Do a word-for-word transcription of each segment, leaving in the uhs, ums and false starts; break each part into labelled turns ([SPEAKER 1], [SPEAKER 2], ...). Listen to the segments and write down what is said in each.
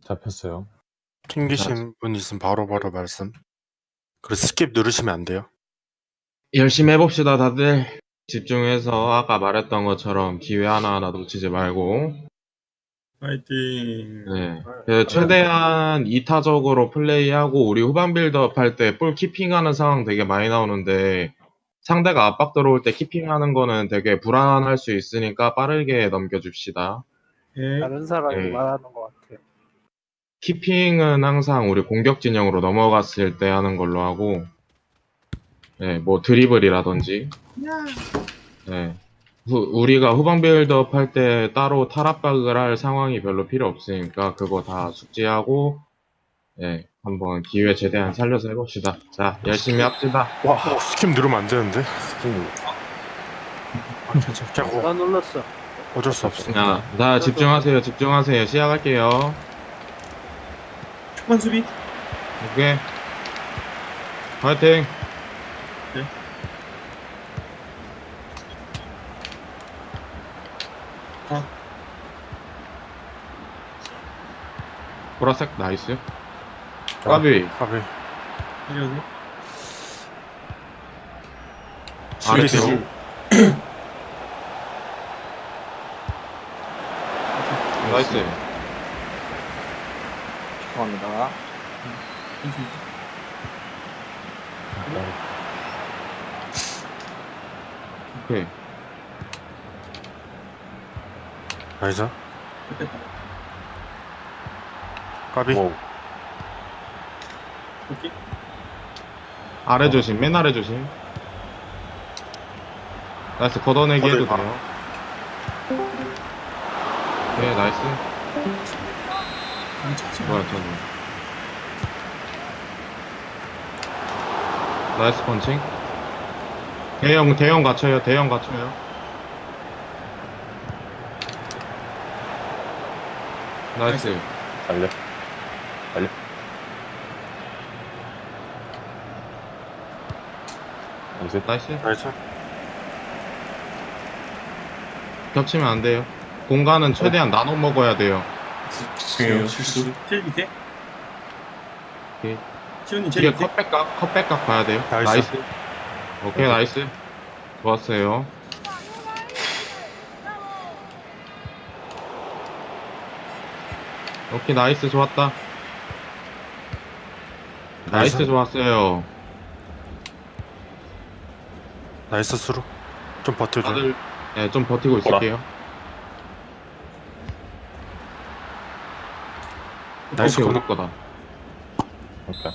[SPEAKER 1] 잡혔어요.
[SPEAKER 2] 튕기신 분 있으면 바로바로 말씀. 그리고 스킵 누르시면 안 돼요.
[SPEAKER 3] 열심히 해봅시다, 다들. 집중해서 아까 말했던 것처럼 기회 하나하나 놓치지 말고.
[SPEAKER 4] 파이팅.
[SPEAKER 3] 네. 그 최대한 이타적으로 플레이하고 우리 후반 빌드업 할 때 볼 키핑하는 상황 되게 많이 나오는데 상대가 압박 들어올 때 키핑하는 거는 되게 불안할 수 있으니까 빠르게 넘겨줍시다.
[SPEAKER 4] 예.
[SPEAKER 5] 다른 사람이
[SPEAKER 3] 네.
[SPEAKER 5] 말하는 것 같아요.
[SPEAKER 3] 키핑은 항상 우리 공격 진영으로 넘어갔을 때 하는 걸로 하고, 네, 뭐 드리블이라든지, 네. 후- 우리가 후방 빌드업 할 때 따로 탈압박을 할 상황이 별로 필요 없으니까 그거 다 숙지하고, 네, 한번 기회 최대한 살려서 해봅시다. 자, 열심히 합시다.
[SPEAKER 2] 와, 어, 스킵 누르면 안 되는데.
[SPEAKER 1] 스킨
[SPEAKER 2] 아, 괜찮아. 그냥 뭐
[SPEAKER 5] 나 눌렀어.
[SPEAKER 2] 어쩔 수 없어.
[SPEAKER 3] 자, 자, 집중하세요, 집중하세요. 시작할게요.
[SPEAKER 4] 초반 수비.
[SPEAKER 3] 오케이. 화이팅!
[SPEAKER 4] 네. 아.
[SPEAKER 3] 보라색, 나이스. 까비.
[SPEAKER 2] 가비.
[SPEAKER 4] 이러고.
[SPEAKER 3] 아래
[SPEAKER 2] 수비
[SPEAKER 3] 뒤로. 나이스.
[SPEAKER 5] 죄송합니다.
[SPEAKER 4] 괜찮아.
[SPEAKER 3] 오케이.
[SPEAKER 2] 나이스.
[SPEAKER 4] 됐다.
[SPEAKER 2] 가비.
[SPEAKER 1] 오,
[SPEAKER 4] 오케이.
[SPEAKER 3] 아래 조심, 맨 아래 조심. 나이스, 걷어내기 해도
[SPEAKER 2] 걷어내기
[SPEAKER 3] 돼요. 네, 나이스.
[SPEAKER 4] 안 쳤지.
[SPEAKER 3] 뭐야, 저는. 나이스 펀칭. 대형, 대형 갖춰요, 대형 갖춰요. 나이스.
[SPEAKER 1] 달려. 달려. 나이스.
[SPEAKER 3] 나이스.
[SPEAKER 2] 나이스.
[SPEAKER 3] 겹치면 안 돼요. 공간은 최대한 나눠 먹어야 돼요.
[SPEAKER 4] 죄송해요. 실수. 제일 밑에.
[SPEAKER 3] 오케이.
[SPEAKER 4] 시온님 제일
[SPEAKER 3] 이게
[SPEAKER 4] 밑에.
[SPEAKER 3] 컷백각, 컷백각 봐야 돼요.
[SPEAKER 2] 나이스.
[SPEAKER 3] 나이스. 오케이, 나이스. 좋았어요. 오케이, 나이스. 좋았다. 나이스,
[SPEAKER 2] 나이스.
[SPEAKER 3] 좋았어요.
[SPEAKER 2] 나이스 수루. 좀 버텨줘.
[SPEAKER 3] 다들, 네, 좀 버티고 있을게요.
[SPEAKER 2] 나이스
[SPEAKER 3] 오케이,
[SPEAKER 2] 거.
[SPEAKER 3] 우리 거다.
[SPEAKER 1] 오케이.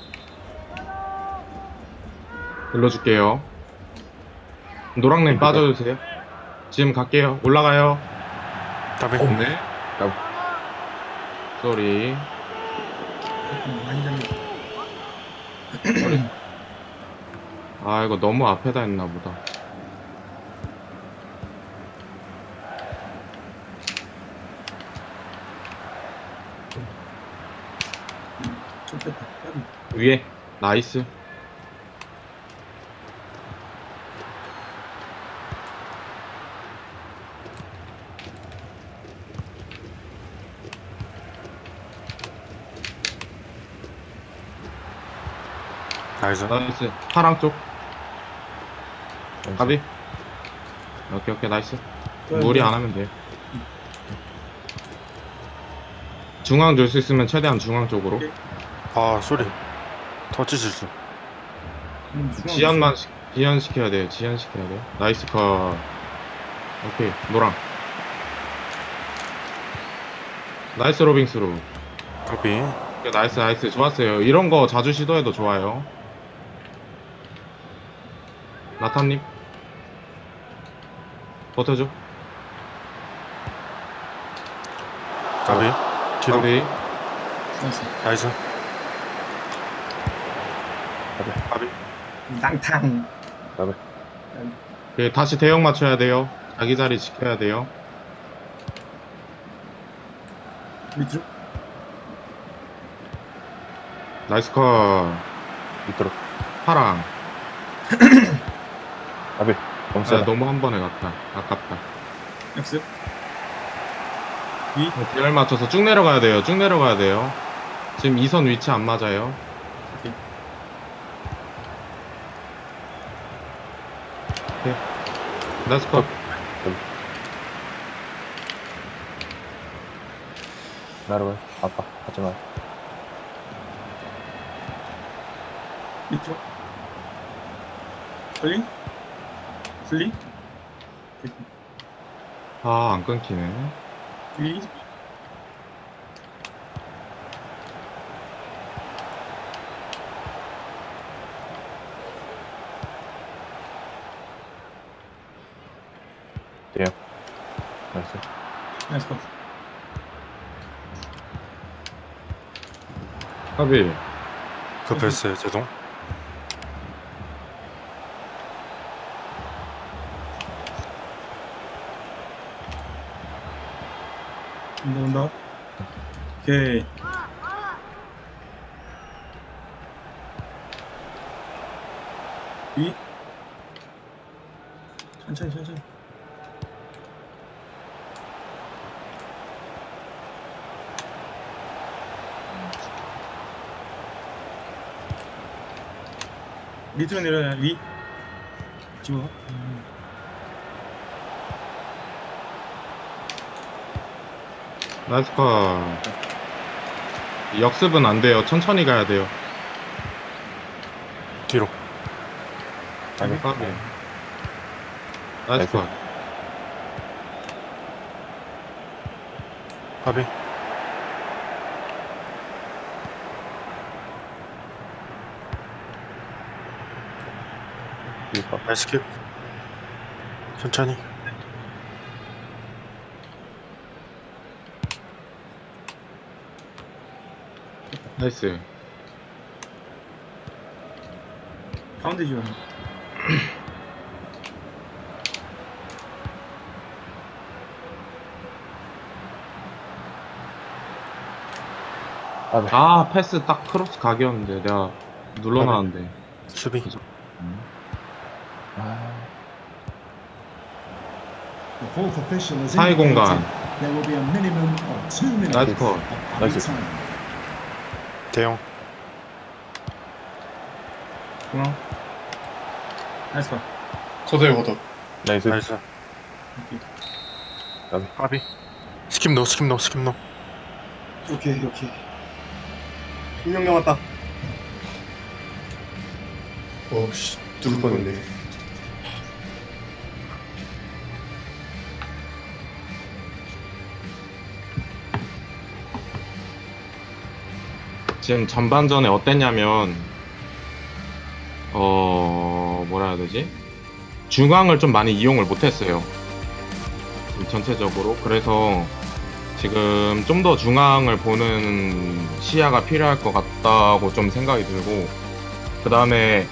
[SPEAKER 3] 눌러줄게요. 노랑님 빠져주세요. 지금 갈게요. 올라가요.
[SPEAKER 2] 가비.
[SPEAKER 3] 네.
[SPEAKER 1] 야.
[SPEAKER 3] 쏘리.
[SPEAKER 4] 음, 많이 잡니다.
[SPEAKER 3] 아, 이거 너무 앞에다 했나 보다.
[SPEAKER 4] 좀 뺐다. 까비.
[SPEAKER 3] 위에. 나이스.
[SPEAKER 2] 나이스.
[SPEAKER 3] 나이스. 파랑 쪽. 가비. 오케이, 오케이, 나이스. 무리 안 하면 돼요. 중앙 줄 수 있으면 최대한 중앙 쪽으로.
[SPEAKER 4] 오케이.
[SPEAKER 2] 아, 소리. 터치 실수.
[SPEAKER 4] 음, 중앙
[SPEAKER 3] 지연만, 시- 지연 시켜야 돼요. 지연 시켜야 돼요. 나이스 컷. 오케이, 노랑. 나이스 로빙스로.
[SPEAKER 2] 가비.
[SPEAKER 3] 오케이, 나이스, 나이스. 좋았어요. 이런 거 자주 시도해도 좋아요. 나타님. 버텨줘.
[SPEAKER 2] 가비. 뒤로.
[SPEAKER 3] 가비.
[SPEAKER 4] 나이스.
[SPEAKER 2] 나이스. 가비.
[SPEAKER 4] 낭탕.
[SPEAKER 1] 가비.
[SPEAKER 3] 오케이, 다시 대형 맞춰야 돼요. 자기 자리 지켜야 돼요.
[SPEAKER 4] 밑으로.
[SPEAKER 3] 나이스 컷.
[SPEAKER 1] 밑으로.
[SPEAKER 3] 파랑.
[SPEAKER 1] 가비. 너무
[SPEAKER 3] 아,
[SPEAKER 1] 세다.
[SPEAKER 3] 너무 한 번에 갔다. 아깝다.
[SPEAKER 4] 역습. 위.
[SPEAKER 3] 대열 맞춰서 쭉 내려가야 돼요. 쭉 내려가야 돼요. 지금 이 선 위치 안 맞아요.
[SPEAKER 4] 오케이.
[SPEAKER 3] 오케이. 나이스 컷.
[SPEAKER 1] 나를 아빠 하지 마.
[SPEAKER 4] 밑으로. 슬리. 슬리.
[SPEAKER 3] 아, 안 끊기네.
[SPEAKER 4] 위.
[SPEAKER 1] 돼요. 나이스.
[SPEAKER 4] 나이스 컷.
[SPEAKER 3] 까비.
[SPEAKER 2] 급했어요 죄송.
[SPEAKER 4] 온다 온다. 오케이. 위. 천천히 천천히. 밑으로 내려야 위. 집어. 음.
[SPEAKER 3] 나이스 컷. 역습은 안 돼요. 천천히 가야 돼요.
[SPEAKER 2] 뒤로.
[SPEAKER 3] 까비. 까비. 나이스
[SPEAKER 1] 나이스.
[SPEAKER 3] 컷.
[SPEAKER 2] 까비.
[SPEAKER 1] 위파.
[SPEAKER 2] 나이스 킵. 천천히.
[SPEAKER 3] 나이스.
[SPEAKER 4] 가운데 지원.
[SPEAKER 1] 아, 네.
[SPEAKER 3] 아, 패스 딱 크로스 각이었는데 내가 눌러놨는데.
[SPEAKER 2] 수비.
[SPEAKER 1] 아,
[SPEAKER 6] The fourth official has
[SPEAKER 3] 사이 공간.
[SPEAKER 6] indicated there will be a minimum of two minutes
[SPEAKER 3] 나이스
[SPEAKER 6] of
[SPEAKER 3] 컷.
[SPEAKER 6] added
[SPEAKER 1] 나이스.
[SPEAKER 6] time.
[SPEAKER 2] 대형.
[SPEAKER 4] 중앙. 나이스 컷.
[SPEAKER 7] 걷어요 걷어.
[SPEAKER 1] 나이스.
[SPEAKER 2] 나이스.
[SPEAKER 4] 오케이.
[SPEAKER 2] 까비. 스킵 노 스킵 노 스킵 노.
[SPEAKER 4] 오케이 오케이. 분명 남았다.
[SPEAKER 7] 어씨 누를 뻔했네.
[SPEAKER 3] 지금 전반전에 어땠냐면, 어, 뭐라 해야 되지? 중앙을 좀 많이 이용을 못했어요. 지금 전체적으로. 그래서 지금 좀 더 중앙을 보는 시야가 필요할 것 같다고 좀 생각이 들고, 그 다음에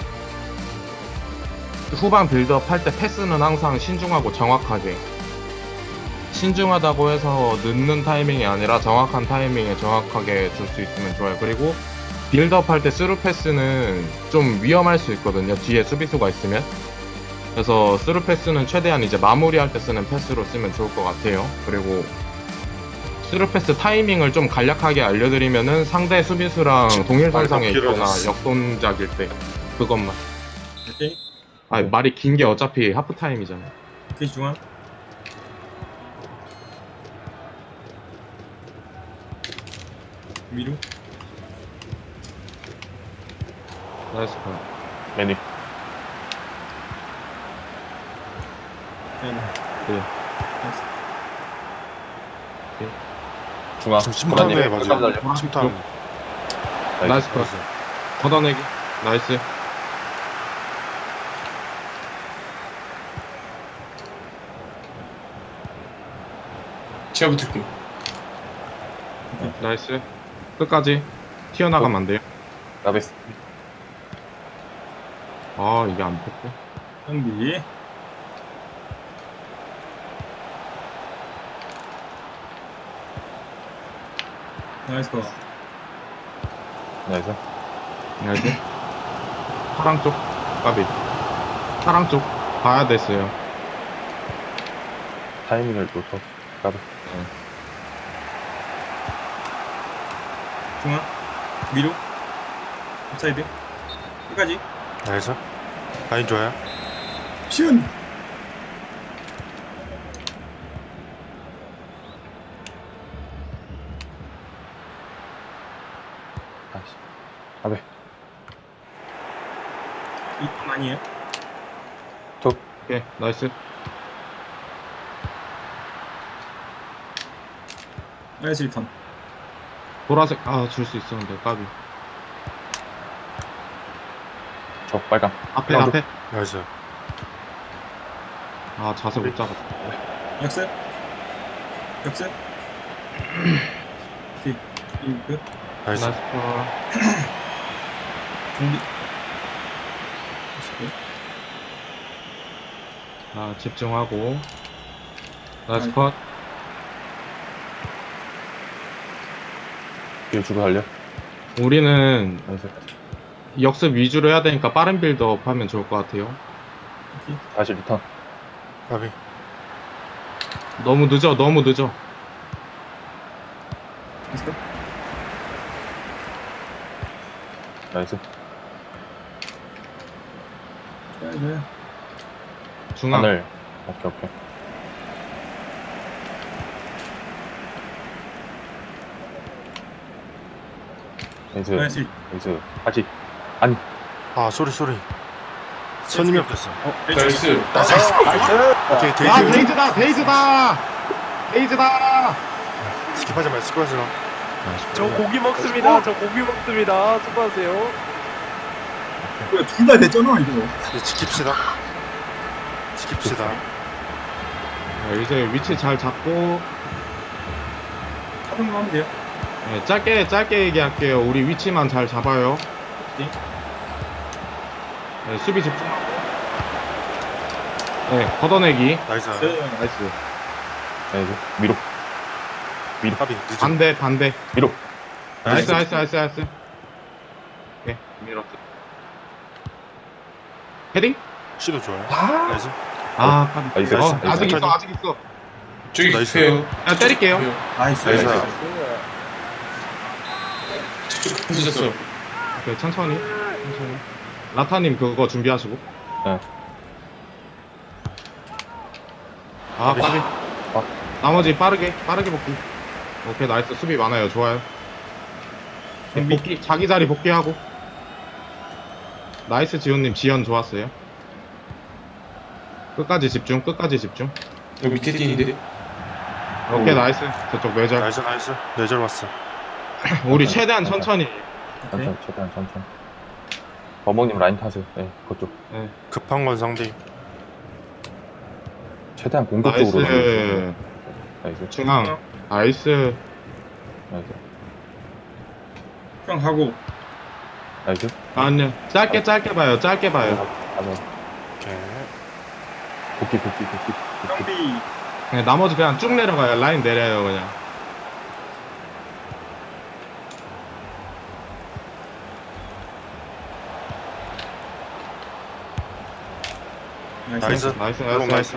[SPEAKER 3] 후반 빌드업 할 때 패스는 항상 신중하고 정확하게. 신중하다고 해서 늦는 타이밍이 아니라 정확한 타이밍에 정확하게 줄 수 있으면 좋아요. 그리고 빌드업 할 때 스루 패스는 좀 위험할 수 있거든요. 뒤에 수비수가 있으면. 그래서 스루 패스는 최대한 이제 마무리할 때 쓰는 패스로 쓰면 좋을 것 같아요. 그리고 스루 패스 타이밍을 좀 간략하게 알려드리면은 상대 수비수랑 동일선상에
[SPEAKER 2] 말도
[SPEAKER 3] 있거나
[SPEAKER 2] 길어졌어.
[SPEAKER 3] 역동작일 때 그것만.
[SPEAKER 4] 오케이.
[SPEAKER 3] 아니, 말이 긴 게 어차피 하프 타임이잖아.
[SPEAKER 4] 오케이 중앙. 위로.
[SPEAKER 3] 나이스 컷.
[SPEAKER 1] 매니.
[SPEAKER 4] 네.
[SPEAKER 3] 네.
[SPEAKER 4] 나이스.
[SPEAKER 1] 중앙.
[SPEAKER 2] 지금 침탐에
[SPEAKER 1] 중앙님,
[SPEAKER 2] 맞아요.
[SPEAKER 1] 잠깐 기다려.
[SPEAKER 2] 침탐.
[SPEAKER 3] 나이스 컷. 걷어내기. 나이스.
[SPEAKER 7] 제가 붙을게.
[SPEAKER 3] 나이스. 끝까지 튀어나가면 안 돼요.
[SPEAKER 1] 나베스.
[SPEAKER 3] 아, 이게 안 됐고.
[SPEAKER 4] 상비. 나이스 컷.
[SPEAKER 1] 나이스.
[SPEAKER 3] 나이스. 파랑 쪽. 까비. 파랑 쪽. 봐야 됐어요.
[SPEAKER 1] 타이밍을 놓쳐. 나도.
[SPEAKER 4] 중앙. 위로. 업사이드. 끝까지.
[SPEAKER 2] 나이스. 라인 좋아요.
[SPEAKER 4] 슛!
[SPEAKER 1] 다시. 아베.
[SPEAKER 4] 이점 아니에요?
[SPEAKER 3] 오케이, 나이스.
[SPEAKER 4] 나이스 리턴.
[SPEAKER 3] 보라색, 아, 줄 수 있었는데, 까비.
[SPEAKER 1] 저 빨강.
[SPEAKER 3] 앞에,
[SPEAKER 1] 나도.
[SPEAKER 3] 앞에.
[SPEAKER 2] 나이스.
[SPEAKER 3] 아, 자세 못 잡았다.
[SPEAKER 4] 역습. 역습. 오케이. 이그
[SPEAKER 2] 나이스.
[SPEAKER 3] 나이스. 컷.
[SPEAKER 4] 준비.
[SPEAKER 3] 아, 집중하고. 나이스 컷.
[SPEAKER 1] 뒤로 주고 달려.
[SPEAKER 3] 우리는
[SPEAKER 1] 나이스.
[SPEAKER 3] 역습 위주로 해야 되니까 빠른 빌드업 하면 좋을 것 같아요.
[SPEAKER 1] 다시 리턴.
[SPEAKER 2] 까비.
[SPEAKER 3] 너무 늦어, 너무 늦어.
[SPEAKER 4] 됐어?
[SPEAKER 1] 나이스.
[SPEAKER 4] 좋아요, 좋아요.
[SPEAKER 3] 중앙.
[SPEAKER 1] 하늘. 오케이, 오케이. 나이스.
[SPEAKER 4] 나이스.
[SPEAKER 1] 나이스. 다시. 아니.
[SPEAKER 2] 아 소리 소리. 선임이 없었어.
[SPEAKER 7] 나이스.
[SPEAKER 2] 오케이
[SPEAKER 3] 아,
[SPEAKER 2] 데이지.
[SPEAKER 3] 데이즈다, 데이즈다! 데이즈다!
[SPEAKER 2] 스킵하지 마. 스킵하지 마.
[SPEAKER 5] 저 고기 먹습니다. 저 고기 먹습니다. 수고하세요.
[SPEAKER 4] 둘 다 됐잖아, 이거.
[SPEAKER 2] 이제 지킵시다. 지킵시다.
[SPEAKER 3] 네, 이제 위치 잘 잡고,
[SPEAKER 4] 하던 거 하면 돼요.
[SPEAKER 3] 네, 짧게, 짧게 얘기할게요. 우리 위치만 잘 잡아요.
[SPEAKER 4] 네.
[SPEAKER 3] 네, 수비 집중하고. 네, 걷어내기.
[SPEAKER 2] 나이스.
[SPEAKER 3] 나이스.
[SPEAKER 1] 나이스. 위로.
[SPEAKER 2] 까비. 늦은.
[SPEAKER 3] 반대, 반대.
[SPEAKER 1] 위로.
[SPEAKER 3] 나이스, 나이스, 나이스, 나이스. 오케이, 밀었어. 헤딩?
[SPEAKER 2] 시도 좋아요. 나이스.
[SPEAKER 3] 아, 까비.
[SPEAKER 1] 나이스,
[SPEAKER 3] 어,
[SPEAKER 1] 나이스.
[SPEAKER 3] 아직 있어,
[SPEAKER 2] 천천히.
[SPEAKER 3] 아직 있어.
[SPEAKER 7] 저기
[SPEAKER 2] 나이스.
[SPEAKER 7] 계세요.
[SPEAKER 3] 야, 때릴게요.
[SPEAKER 4] 나이스.
[SPEAKER 1] 나이스.
[SPEAKER 7] 저쪽 부셨어.
[SPEAKER 3] 오케이, 천천히. 천천히. 라타님 그거 준비하시고.
[SPEAKER 1] 네.
[SPEAKER 3] 아,
[SPEAKER 2] 까비.
[SPEAKER 3] 까비.
[SPEAKER 1] 아.
[SPEAKER 3] 나머지 빠르게, 빠르게 복귀. 오케이, 나이스. 수비 많아요. 좋아요. 네,
[SPEAKER 4] 준비.
[SPEAKER 3] 복귀, 자기 자리 복귀하고. 나이스, 지훈님. 지연 좋았어요. 끝까지 집중, 끝까지 집중.
[SPEAKER 7] 여기 밑에 뛴인데.
[SPEAKER 3] 오케이,
[SPEAKER 1] 오.
[SPEAKER 3] 나이스. 저쪽 외절.
[SPEAKER 2] 나이스 나이스. 내절 왔어.
[SPEAKER 3] 우리 최대한 천천히.
[SPEAKER 1] 천천히, 최대한 천천히. 버먹님 라인 타세요. 네, 그쪽.
[SPEAKER 2] 급한 건 상대.
[SPEAKER 1] 최대한 공격적으로.
[SPEAKER 3] 나이스.
[SPEAKER 1] 나이스.
[SPEAKER 3] 중앙. 나이스.
[SPEAKER 1] 나이스.
[SPEAKER 4] 형 하고.
[SPEAKER 1] 나이스.
[SPEAKER 3] 아니요. 짧게, 짧게 봐요. 짧게 봐요.
[SPEAKER 1] 가서.
[SPEAKER 2] 오케이.
[SPEAKER 1] 복귀, 복귀, 복귀. 복귀.
[SPEAKER 4] 형비.
[SPEAKER 3] 네, 나머지 그냥 쭉 내려가요. 라인 내려요, 그냥.
[SPEAKER 2] 나이스.
[SPEAKER 3] 나이스,
[SPEAKER 2] 너무
[SPEAKER 3] 나이스, 나이스.
[SPEAKER 2] 나이스.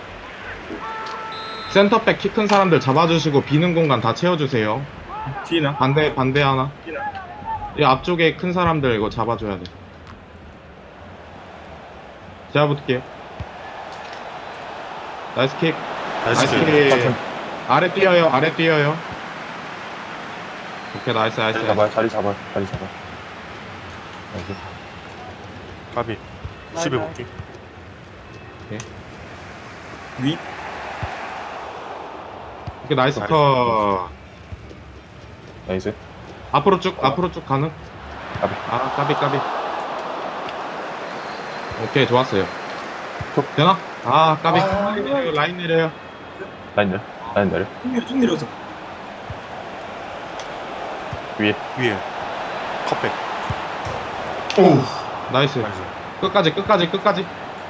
[SPEAKER 3] 센터백 키 큰 사람들 잡아주시고 비는 공간 다 채워주세요.
[SPEAKER 4] 뒤나.
[SPEAKER 3] 반대, 반대 하나.
[SPEAKER 4] 뒤나.
[SPEAKER 3] 이 앞쪽에 큰 사람들 이거 잡아줘야 돼. 제가 붙을게요. 나이스 킥.
[SPEAKER 2] 나이스.
[SPEAKER 3] 나이스
[SPEAKER 2] 킥.
[SPEAKER 3] 킥. 아래 뛰어요, 아래 뛰어요. 오케이, 나이스, 나이스.
[SPEAKER 1] 자리 잡아요, 자리 잡아요, 자리 잡아요. 나이스.
[SPEAKER 2] 까비. 수비 복귀.
[SPEAKER 4] 위.
[SPEAKER 3] 오케이, 나이스
[SPEAKER 2] 나이스.
[SPEAKER 3] 컷.
[SPEAKER 1] 나이스.
[SPEAKER 3] 앞으로 쭉, 앞으로 쭉 가는.
[SPEAKER 1] 까비.
[SPEAKER 3] 아, 까비, 까비. 오케이, 좋았어요.
[SPEAKER 1] 톡.
[SPEAKER 3] 되나? 아, 까비.
[SPEAKER 7] 아,
[SPEAKER 3] 라인 내려요, 라인 내려요.
[SPEAKER 1] 라인 내려. 라인 내려.
[SPEAKER 4] 쭉 내려, 쭉 내려서.
[SPEAKER 1] 위에.
[SPEAKER 2] 위에. 컵백.
[SPEAKER 7] 오.
[SPEAKER 3] 나이스.
[SPEAKER 2] 나이스.
[SPEAKER 3] 끝까지, 끝까지, 끝까지.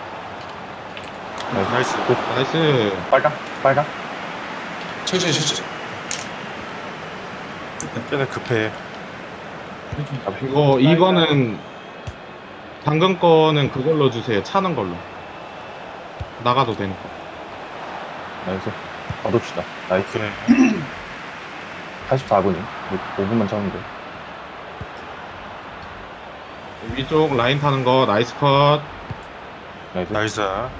[SPEAKER 1] 나이스.
[SPEAKER 2] 나이스.
[SPEAKER 1] 끝.
[SPEAKER 3] 나이스.
[SPEAKER 1] 빨강, 빨강.
[SPEAKER 7] 천천히 천천히.
[SPEAKER 2] 쟤네 급해.
[SPEAKER 3] 이거, 이거는, 방금 거는 그걸로 주세요. 차는 걸로. 나가도 되니까.
[SPEAKER 1] 나이스. 받읍시다. 나이스.
[SPEAKER 2] 그래.
[SPEAKER 1] 팔십사 분이. 오 분만 차면 돼.
[SPEAKER 3] 위쪽 라인 타는 거 나이스 컷.
[SPEAKER 1] 나이스.
[SPEAKER 2] 나이스.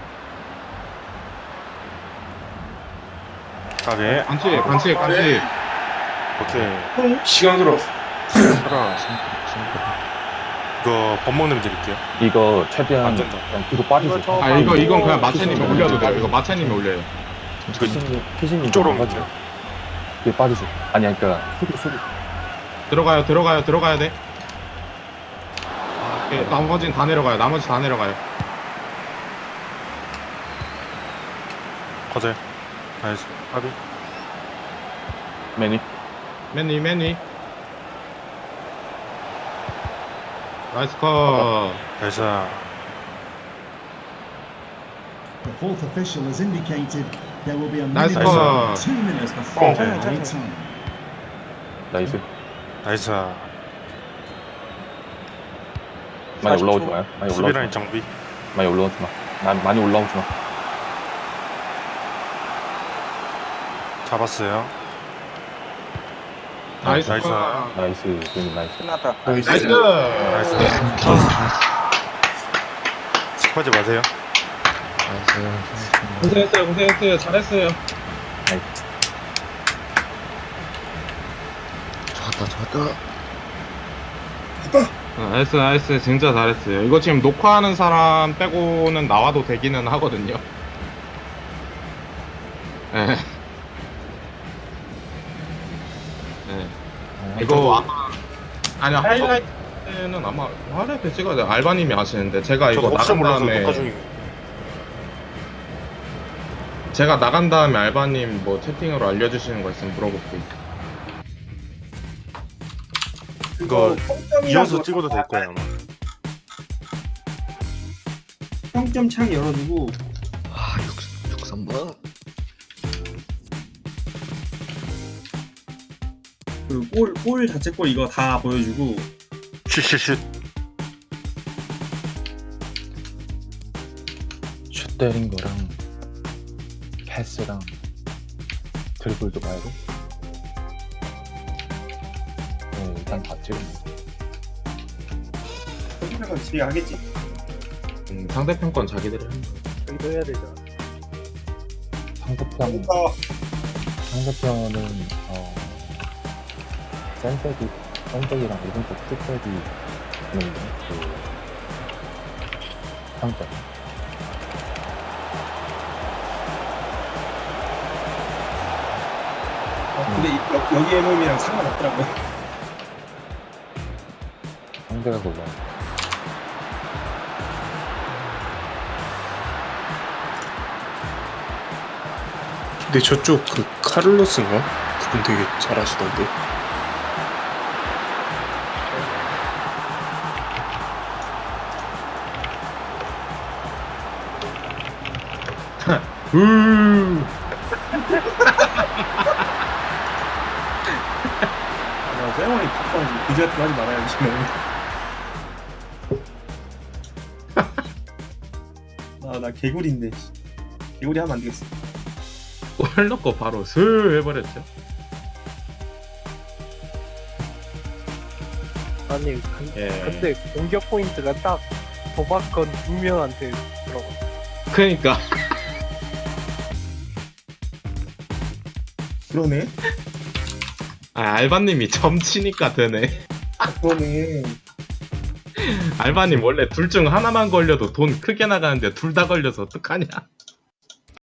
[SPEAKER 2] 가게.
[SPEAKER 3] 네, 반칙 반칙 반칙.
[SPEAKER 2] 오케이.
[SPEAKER 7] 시간 들어.
[SPEAKER 2] 하나. 이거 법먹님 드릴게요.
[SPEAKER 1] 이거 최대한
[SPEAKER 2] 안 된다.
[SPEAKER 1] 그냥 뒤로 빠지세요.
[SPEAKER 5] 이거 저-
[SPEAKER 3] 아 이거 이건 그냥 마채님이 올려도 돼요. 이거 마채님이 올려요.
[SPEAKER 1] 피신님, 피신님
[SPEAKER 2] 이쪽으로
[SPEAKER 1] 좀 빠지세요. 뒤에 빠지세요. 아니, 그러니까 수비, 수비.
[SPEAKER 3] 들어가요 들어가요 들어가야 돼. 예, 나머지는 다 내려가요. 나머지 다 내려가요.
[SPEAKER 2] 거절. 나이스. 가비.
[SPEAKER 1] 매니.
[SPEAKER 3] 맨 위, 맨 위. 나이스 컷.
[SPEAKER 2] 나이스.
[SPEAKER 6] The fourth official has indicated there will be a
[SPEAKER 3] Nice
[SPEAKER 6] minimum
[SPEAKER 3] one.
[SPEAKER 6] of two minutes
[SPEAKER 4] Nice
[SPEAKER 6] before
[SPEAKER 2] one.
[SPEAKER 6] added time.
[SPEAKER 1] 나이스.
[SPEAKER 2] 나이스.
[SPEAKER 1] 많이
[SPEAKER 2] 사십 초.
[SPEAKER 1] 올라오지 마요. 많이 올라오지
[SPEAKER 2] 수비라인
[SPEAKER 1] 마.
[SPEAKER 2] 정비.
[SPEAKER 1] 많이 올라오지 마. 난 많이 올라오지 마.
[SPEAKER 2] 잡았어요.
[SPEAKER 3] 나이스
[SPEAKER 2] 나이스.
[SPEAKER 3] 컷.
[SPEAKER 1] 나이스. 님 나이스.
[SPEAKER 5] 끝났다.
[SPEAKER 7] 나이스.
[SPEAKER 3] 나이스.
[SPEAKER 2] 나이스. 습하지 마세요.
[SPEAKER 3] 고생했어요 고생했어요 잘했어요.
[SPEAKER 1] 나이스.
[SPEAKER 3] 아, 나이스 나이스 진짜 잘했어요. 이거 지금 녹화하는 사람 빼고는 나와도 되기는 하거든요. 예. 예. 이거 아마 아니 하이라이트는 아마 하이라이트 찍어야 돼. 알바님이 아시는데 제가 이거
[SPEAKER 2] 저도 혹시
[SPEAKER 3] 나간
[SPEAKER 2] 몰라서
[SPEAKER 3] 다음에
[SPEAKER 2] 녹화 중이.
[SPEAKER 3] 제가 나간 다음에 알바님 뭐 채팅으로 알려주시는 거 있으면 물어볼게요.
[SPEAKER 2] 이거
[SPEAKER 4] 평점이랑
[SPEAKER 2] 이어서
[SPEAKER 4] 그거
[SPEAKER 2] 찍어도 될 거예요 아마.
[SPEAKER 4] 평점 창 열어두고 그골 골 자체 골 이거 다 보여주고
[SPEAKER 2] 슛슛슛.
[SPEAKER 1] 슛 때린 거랑 패스랑 드리블도 봐야 돼. 네, 일단 다 찍으면
[SPEAKER 4] 평점에서 집에 가겠지.
[SPEAKER 3] 음, 상대편 건 자기들이 하는 거.
[SPEAKER 5] 저기도 해야 되잖아.
[SPEAKER 1] 상대편
[SPEAKER 4] 어,
[SPEAKER 1] 상대편은 어 센세기 센세기랑 오른쪽 킥백이 있는데 그 평점
[SPEAKER 4] 어, 근데 이- 여, 여기 엠엠이랑 상관없더라고요.
[SPEAKER 1] 상대가 골라.
[SPEAKER 7] 근데 저쪽 그 카를로스인가? 그분 되게 잘하시던데.
[SPEAKER 3] 음.
[SPEAKER 4] 아, 세레머니 바꿔가지고 그지 같은 거 하지 말아야지. 아, 나 개구리인데. 씨. 개구리 하면 안 되겠어.
[SPEAKER 3] 골 넣고 바로 슬 해버렸죠.
[SPEAKER 5] 아니 근,
[SPEAKER 3] 예.
[SPEAKER 5] 근데 공격 포인트가 딱 도박건 두 명한테 들어가.
[SPEAKER 3] 그러니까
[SPEAKER 4] 그러네.
[SPEAKER 3] 아, 알바님이 점치니까 되네.
[SPEAKER 4] 그러네.
[SPEAKER 3] 알바님 원래 둘 중 하나만 걸려도 돈 크게 나가는데 둘 다 걸려서 어떡하냐.